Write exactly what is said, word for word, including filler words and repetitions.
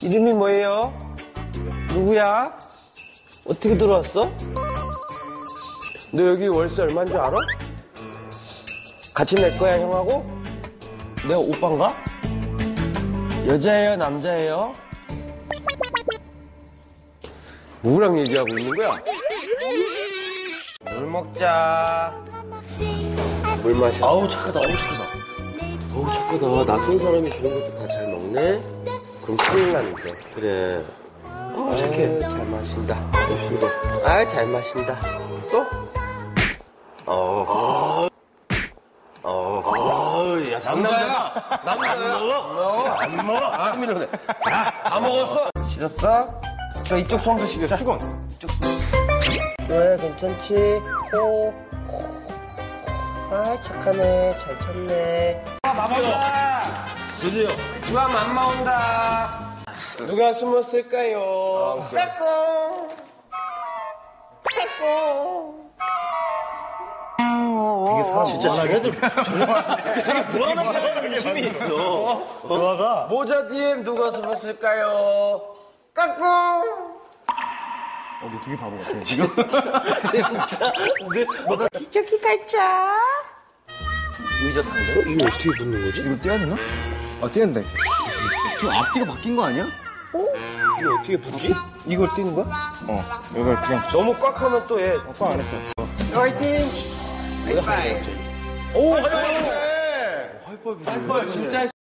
이름이 뭐예요? 누구야? 어떻게 들어왔어? 너 여기 월세 얼마인 줄 알아? 같이 낼 거야, 형하고? 내가 오빠인가? 여자예요, 남자예요? 누구랑 얘기하고 있는 거야? 물 먹자. 물 마셔. 아우 착하다, 아우 착하다. 어우, 착하다. 낯선 사람이 주는 것도 다 잘 먹네? 그럼 큰일 나는데. 그래. 어, 착해. 잘 마신다. 역시도. 아, 잘 마신다. 또? 어. 어. 아우, 야, 상남자다. 남자야. 안 먹어? 안 먹어. 싹 밀어내. 다 먹었어? 씻었어? 저 이쪽 손도 씻어. 수건. 이쪽 손. 좋아요, 괜찮지? 호. 아, 착하네. 잘 쳤네. 아, 마마다. 드디어. 누가 맘마 온다. 누가 숨었을까요? 까꿍. 까꿍. 되게 사람 진짜 쟤네들 되게 불안한 힘이 있어. 조아가 모자 뒤에 누가 숨었을까요? 까꿍. 어, 너 되게 바보 같아. 지금 진짜. 뭐다 기저귀 갈자. 의자 타는데? 이거 어떻게 붙는 거지? 이걸 떼야 되나? 아, 떼야 된다. 지금 앞뒤가 바뀐 거 아니야? 이거 어떻게 붙지? 이걸 띄는 거야? 어, 이걸 그냥 너무 꽉 하면 또 얘. 꽉 안 했어. 화이팅! 하이파이. 오, 하이파이브. 하이파이브. 하이파이브 진짜